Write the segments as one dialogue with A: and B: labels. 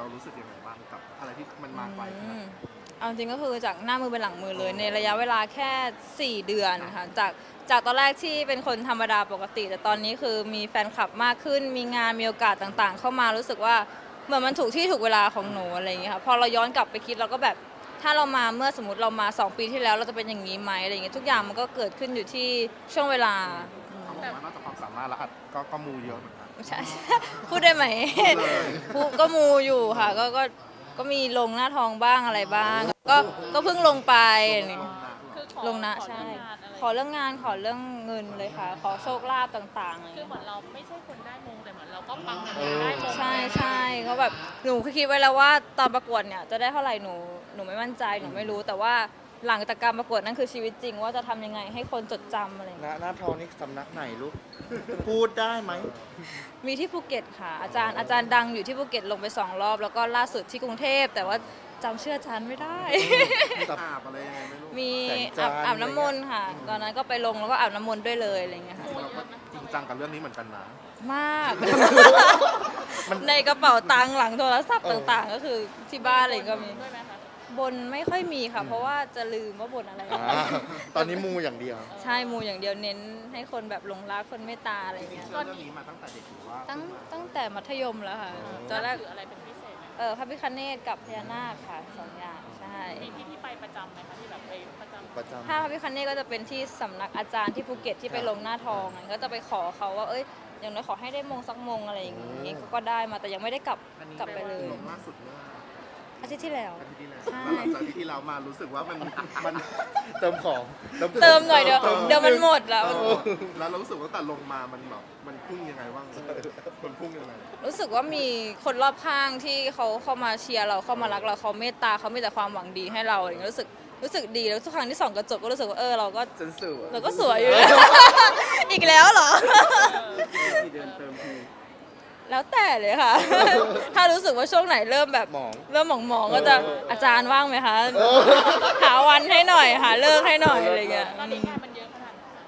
A: รู้สึกยังไงบ้างกับอะไรที่มันมาไกลขนาดนั้น
B: เอาจริงก็คือจากหน้ามือเป็นหลังมือเลยในระยะเวลาแค่ 4 เดือนค่ะจากตอนแรกที่เป็นคนธรรมดาปกติ แต่ตอนนี้คือมีแฟนคลับมากขึ้น มีงานมีโอกาสต่างๆ เข้ามารู้สึกว่าเหมือนมันถูกที่ถูกเวลาของหนูอะไรอย่างเงี้ยค่ะพอเราย้อนกลับไปคิดเราก็แบบถ้าเรามาเมื่อสมมติเรามา 2 ปีที่แล้วเราจะเป็นอย่างนี้ไหมอะไรอย่างเงี้ยทุกอย่างมันก็เกิดขึ้นอยู่ที่ช่วงเวลา
A: เขาบอกว่านอกจากความสามารถแล้วก็มูเยอะเหมือนกัน
B: ใช่ พูดได้ไหมพูดก็มูอยู่ค่ะก็มีลงหน้าทองบ้างอะไรบ้าง ก็เพิ่งลงไปอะไรอย่างเงี้ย
C: คือขอ
B: ลงนะ
C: ขอ
B: ใช่
C: เรื่องงานอะไร
B: ขอเรื่องงานขอเรื่องเงินเลยค่ะ ขอโชคลาภต่างๆอะไร
C: คือ
B: เงี้ย
C: เหมือนเราไม่ใช่คนได้มงแต่เหมือนเราก็ปังเหมือนกันได้มง
B: ใช่ใช่เขาแบบหนูคิดไว้แล้วว่าตอนประกวดเนี่ยจะได้เท่าไหร่หนูไม่มั่นใจหนูไม่รู้แต่ว่าหลังจากการประกวดนั่นคือชีวิตจริง ว่าจะทำยังไงให้คนจดจำอะไรอย่างเงี้ย
D: หน้าทองนี่สำนักไหนลูก พูดได้ไหม
B: มีที่ภูเก็ตค่ะอาจารย์ดังอยู่ที่ภูเก็ตลงไป2 รอบ แล้วก็ล่าสุดที่กรุงเทพแต่ว่าจำชื่ออาจารย์ไม่ได้
A: มีอาบอะไรยังไงไม่รู้
B: มี
D: แสงจันทร์
B: อาบน้ำมนต์ค่ะ ตอนนั้นก็ไปลงแล้วก็อาบน้ำมนต์ด้วยเลยอะไรอย่างเงี้ยค่ะ
A: เราก็จริงจังกับเรื่องนี้เหมือนกันนะ
B: มาก ในกระเป๋าตังค์หลังโทรศัพท์ต่างๆ ก็คือที่บ้านอะไรก็มี
C: ด้วยไหมคะ
B: บนไม่ค่อยมีค่ะ เพราะว่าจะลืมว่าบนอะไร
D: ตอนนี้มูอย่างเดียว
B: ใช่มูอย่างเดียวเน้นให้คนแบบหลงรักคนเมตตาอะไรอย่างเงี้ย
A: เรื่องนี้มาตั้งแต่เด็กหรือว่า
B: ตั้งแต่มัธยมแล้วค่ะตอนแรก
C: ถืออะไรเป็นพิเศษไหม
B: พระพิฆเนศกับพญานาคค่ะ2 อย่างใช่
C: มีที่ไปประจำไหมคะที่แบบไปประจำ
D: ประจำ
B: ถ้าพระพิฆเนศก็จะเป็นที่สำนักอาจารย์ที่ภูเก็ตที่ไปลงหน้าทองอะก็จะไปขอเขาว่าเอ้ยอย่างน้อยขอให้ได้มงสักมงอะไรอย่างงี้ก็ได้มาแต่ยังไม่ได้กลับไปเลย
A: ลงล่าสุดเมื่อ
B: อาทิตย์ที่แล้ว
A: อาทิตย์ที่แล้ว
B: ใช่
A: แล้วหลังจากที่เรามารู้สึกว่ามัน
D: เติมของ
B: เติมหน่อยเดี๋ยวมันหมดแล้ว
A: แล้วเรารู้สึกว่าแต่ลงมามันแบบมันพุ่งยังไงบ้างมันพุ่งยังไง
B: รู้สึกว่ามีคนรอบข้างที่เขาเข้ามาเชียร์เราเข้ามารักเราเขาเมตตาเขามีแต่ความหวังดีให้เราอย่างเงี้ยรู้สึกดีแล้วทุกครั้งที่ส่องกระจกก็รู้สึกว่าเราก็
D: จนสื่อ
B: เราก็สวยอยู่ อีกแล้วเหรอ
A: กี่เดือนเติมที
B: แล้วแต่เลยค่ะ ถ้ารู้สึกว่าช่วงไหนเริ่มแบบ
D: หมอง
B: เริ่มหมองๆก็จะอาจารย์ว่างไหมคะ หาวันให้หน่อยหาเลิกให้หน่อยอะไรเงี้ย
C: ตอนนี้งานมันเยอะขนาดไหนคะ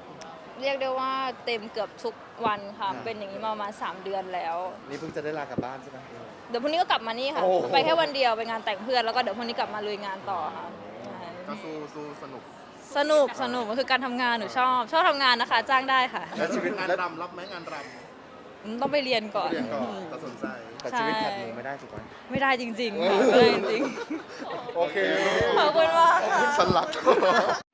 B: เรียกได้ว่าเต็มเกือบทุกวันค่ะ เป็นอย่างนี้มาประมาณ3 เดือนแล้ว
D: นี่เพิ่งจะได้ลากลับบ้านใช่ไหม
B: เดี๋ยวพรุ่งนี้ก็กลับมานี่ค่ะ
D: โอ้โห
B: ไปแค่วันเดียวไปงานแต่งเพื่อนแล้วก็เดี๋ยวพรุ่งนี้กลับมาลุยงานต่อค่ะใช่
A: ก็สู้สนุก
B: สนุกมันคือการทำงานหนูชอบทำงานนะคะ จ้างได้ค่ะ
D: แล้วชีวิต
A: งาน
D: แล้ว
A: รำรับไหมงานรำ
B: ต้องไปเรียนก่อน
A: เรียนก่อนแต่สนใจ
D: แต่ชีวิตแผดหมูไม่ได้ถูกไหม
B: ไม่ได้จริงๆค่ะไม่ได้จริง
D: โอเค
B: ๆขอบคุณมากค่ะ
D: ฉันรัก